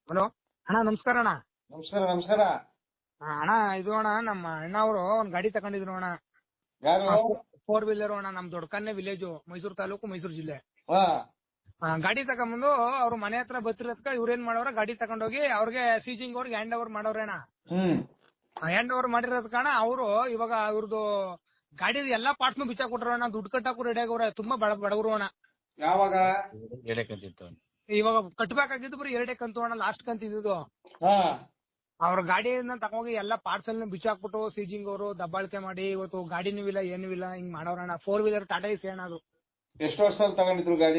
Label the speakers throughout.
Speaker 1: Hello ಅಣ್ಣ, ನಮಸ್ಕಾರ ಅಣ್ಣ.
Speaker 2: ನಮಸ್ಕಾರ ನಮಸ್ಕಾರ.
Speaker 1: ಅಣ್ಣ, ಇದು ಅಣ್ಣ, ನಮ್ಮ ಅಣ್ಣ ಅವರು ಒಂದ್ ಗಾಡಿ ತಗೊಂಡಿದ್ರು ಅಣ್ಣ.
Speaker 2: ಯಾರು?
Speaker 1: 4 ವೀಲರ್ ಅಣ್ಣ. ನಮ್ ದೊಡ್ಡಕನ್ನೆ ವಿಲೇಜ್, ಮೈಸೂರು ತಾಲೂಕು, ಮೈಸೂರು ಜಿಲ್ಲೆ.
Speaker 2: ಹಾ
Speaker 1: ಗಾಡಿ ತಗೊಂಬಂದು ಅವ್ರ ಮನೆ ಹತ್ರ ಬತ್ತಿರೋದಕ್ಕ ಇವ್ರೇನ್ ಮಾಡವ್ರ, ಗಾಡಿ ತಗೊಂಡೋಗಿ ಅವ್ರಿಗೆ ಸೀಜಿಂಗ್ ಅವ್ರಿಗೆ ಹ್ಯಾಂಡ್ ಓವರ್ ಮಾಡವ್ರೆ ಅಣ್ಣ. ಹ್ಯಾಂಡ್ ಓವರ್ ಮಾಡಿರೋದಕ್ಕಣ ಅವರು ಇವಾಗ ಇವ್ರದ್ದು ಗಾಡಿ ಎಲ್ಲಾ ಪಾರ್ಟ್ಸ್ ಬಿಚ್ಚಾಕ್ ಕೊಟ್ರು ಅಣ್ಣ. ದುಡ್ಡು ಕಟ್ಟಾಕು ರೆಡಿ ಆಗವ್ರೆ. ತುಂಬಾ ಬಡವರು ಅಣ್ಣ.
Speaker 2: ಯಾವಾಗ?
Speaker 1: ಇವಾಗ ಕಟ್ಬೇಕಾಗಿದ್ದು ಬರೀ 2 ಕಂತು ಅಣ್ಣ, ಲಾಸ್ಟ್ ಕಂತು ಇದ್ದು.
Speaker 2: ಹಾ
Speaker 1: ಅವ್ರ ಗಾಡಿಯನ್ನ ತಗೋಗಿ ಎಲ್ಲಾ ಪಾರ್ಟ್ಸ್ ಎಲ್ಲ ಬಿಚ್ಚಾಕ್ಬಿಟ್ಟು ಸೀಜಿಂಗ್ ಅವರು ದಬ್ಬಾಳಿಕೆ ಮಾಡಿ ಇವತ್ತು ಗಾಡಿನೂ ಇಲ್ಲ ಏನೂ ಇಲ್ಲ, ಹಿಂಗ್ ಮಾಡವ್ರಣ್ಣ. 4 ವೀಲರ್ ಟಾಟಾ ಎಸಿ ಅಣ್ಣ ಅದು.
Speaker 2: ಎಷ್ಟು ವರ್ಷದಲ್ಲಿ ತಗೊಂಡಿದ್ರು ಗಾಡಿ?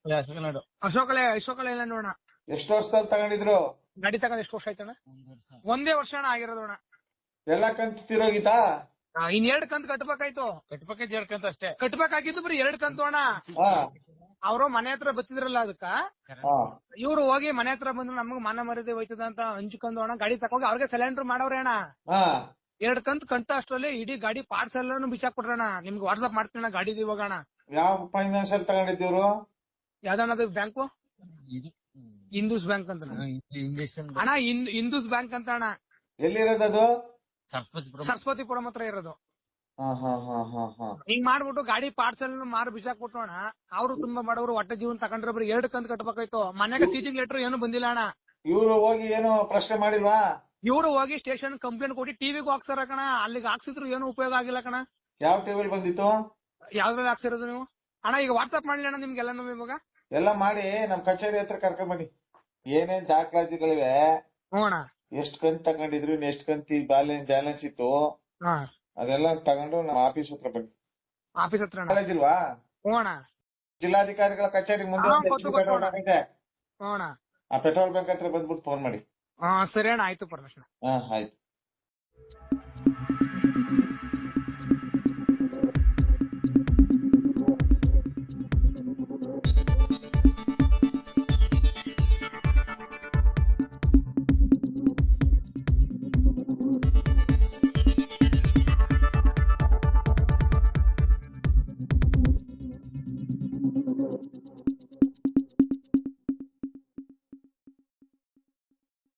Speaker 1: ಅಶೋಕ ಇಲ್ಲ ನೋಡೋಣ.
Speaker 2: ಎಷ್ಟು ವರ್ಷದಲ್ಲಿ ತಗೊಂಡಿದ್ರು
Speaker 1: ಗಾಡಿ ತಗೊಂಡ್ ಎಷ್ಟು ವರ್ಷ ಆಯ್ತಣ್ಣ? 1 ವರ್ಷ ಅಣ್ಣ ಆಗಿರೋದು ಅಣ್ಣ.
Speaker 2: ಎಲ್ಲ ಕಂತು ತಿರೋಗಿತಾ?
Speaker 1: ಇನ್ 2 ಕಂತು ಕಟ್ಬೇಕಾಯ್ತು. 2 ಕಂತು ಅಷ್ಟೇ ಕಟ್ಬೇಕಾಗಿದ್ದು, ಬರೀ 2 ಕಂತು ಅಣ್ಣ.
Speaker 2: ಹಾ
Speaker 1: ಅವರು ಮನೆ ಹತ್ರ ಬತ್ತಿದ್ರಲ್ಲ ಅದಕ್ಕ
Speaker 2: ಹಾ
Speaker 1: ಇವ್ರು ಹೋಗಿ ಮನೆ ಹತ್ರ ಬಂದ್ರು, ನಮಗ್ ಮಾನ ಮರ್ಯಾದೆ ಹೋಯ್ತದ ಅಂತ ಹಂಚ್ಕೊಂಡು ಅಣ್ಣ ಗಾಡಿ ತಗೋಗಿ ಅವ್ರಿಗೆ ಸಿಲಿಂಡರ್ ಮಾಡವ್ರೆ ಅಣ್ಣ.
Speaker 2: ಹಾ
Speaker 1: 2 ಕಂತು ಕಂಟ ಅಷ್ಟ್ರಲ್ಲಿ ಇಡೀ ಗಾಡಿ ಪಾರ್ಟ್ಸ್ ಎಲ್ಲಾನು ಬಿಚ್ಚಾಕ್ಬಿಟ್ರಣ್ಣ. ನಿಮ್ಗೆ ವಾಟ್ಸ್ಆಪ್ ಮಾಡ್ತೀನಿ ಗಾಡಿದು ಇವಾಗ ಅಣ್ಣ.
Speaker 2: ಯಾವ ಫೈನಾನ್ಸ್ ಅಲ್ಲಿ ತಗೊಂಡಿದ್ದೀವ್ರು?
Speaker 1: ಯಾವ್ದಣ್ಣ ಬ್ಯಾಂಕು? ಹಿಂದೂಸ್ ಬ್ಯಾಂಕ್ ಅಂತ ಅಣ್ಣ. ಹಿಂದೂಸ್ ಬ್ಯಾಂಕ್ ಅಂತ ಅಣ್ಣ.
Speaker 2: ಎಲ್ಲಿರೋದದು?
Speaker 1: ಸರಸ್ವತಿಪುರಂ ಹತ್ರ ಇರೋದು.
Speaker 2: ಹಾ ಹಾ ಹಾ ಹಾ ಹಾ
Speaker 1: ಹಿಂಗ್ ಮಾಡ್ಬಿಟ್ಟು ಗಾಡಿ ಪಾರ್ಟ್ಸ್ ಎಲ್ಲ ಮಾರು ಬಿಸಾಕ್ಬಿಟ್ಟು ಅಣ್ಣ. ಅವರು ತುಂಬಾ ಬಡವರು, ಹೊಟ್ಟೆ ಜೀವನ ತಗೊಂಡ್ರೆ ಬರೀ 2 ಕಂತು ಕಟ್ಬೇಕಾಯ್ತು. ಮನೆಗೆ ಸೀಜಿಂಗ್ ಲೆಟರ್ ಏನು ಬಂದಿಲ್ಲ ಅಣ್ಣ.
Speaker 2: ಇವ್ರು ಹೋಗಿ ಏನು ಪ್ರಶ್ನೆ ಮಾಡಿಲ್ವಾ?
Speaker 1: ಇವ್ರು ಹೋಗಿ ಸ್ಟೇಷನ್ ಕಂಪ್ಲೇಂಟ್ ಕೊಟ್ಟು ಟಿವಿಗೂ ಹಾಕ್ಸಾರ ಕಣ. ಅಲ್ಲಿಗೆ ಹಾಕ್ಸಿದ್ರು ಏನು ಉಪಯೋಗ ಆಗಿಲ್ಲ ಕಣ.
Speaker 2: ಯಾವ ಟಿವಿಲ್ ಬಂದಿತ್ತು?
Speaker 1: ಯಾವ್ದ್ರಲ್ಲಿ ಹಾಕ್ಸಿರೋದು ನೀವು ಅಣ್ಣ? ಈಗ ವಾಟ್ಸ್ಆಪ್ ಮಾಡ್ಲಿ ಅಣ್ಣ ನಿಮ್ಗೆಲ್ಲಾನು ಇವಾಗ.
Speaker 2: ಎಲ್ಲ ಮಾಡಿ ನಮ್ ಕಚೇರಿ ಹತ್ರ ಕರ್ಕೊಂಡ್ ಬನ್ನಿ. ಏನೇನ್ ದಾಖಲಾತಿಗಳಿವೆ,
Speaker 1: ಹ್ಞೂ ಅಣ್ಣ.
Speaker 2: ಎಷ್ಟ್ ಕಂತು ತಗೊಂಡಿದ್ರು, ಎಷ್ಟ್ ಕಂತು ಬ್ಯಾಲೆನ್ಸ್ ಇತ್ತು,
Speaker 1: ಹಾ
Speaker 2: ಅದೆಲ್ಲ ತಗೊಂಡು ನಮ್ಮ ಆಫೀಸ್ ಹತ್ರ ಬನ್ನಿ.
Speaker 1: ಆಫೀಸ್ ಹತ್ರ ಅಣ್ಣ?
Speaker 2: ಕಾಲೇಜ್ ಇಲ್ವಾ?
Speaker 1: ಹ್ಞೂ ಅಣ್ಣ.
Speaker 2: ಜಿಲ್ಲಾಧಿಕಾರಿಗಳ ಕಚೇರಿ ಮುಂದೆ ಪೆಟ್ರೋಲ್ ಬಂಕ್ ಇದೆ.
Speaker 1: ಹ್ಞೂ ಅಣ್ಣ.
Speaker 2: ಆ ಪೆಟ್ರೋಲ್ ಬಂಕ್ ಹತ್ರ ಬಂದ್ಬಿಟ್ಟು ಫೋನ್ ಮಾಡಿ.
Speaker 1: ಸರಿ ಅಣ್ಣ, ಆಯ್ತು ಪರಮೇಶ್.
Speaker 2: ಹಾ ಆಯ್ತು.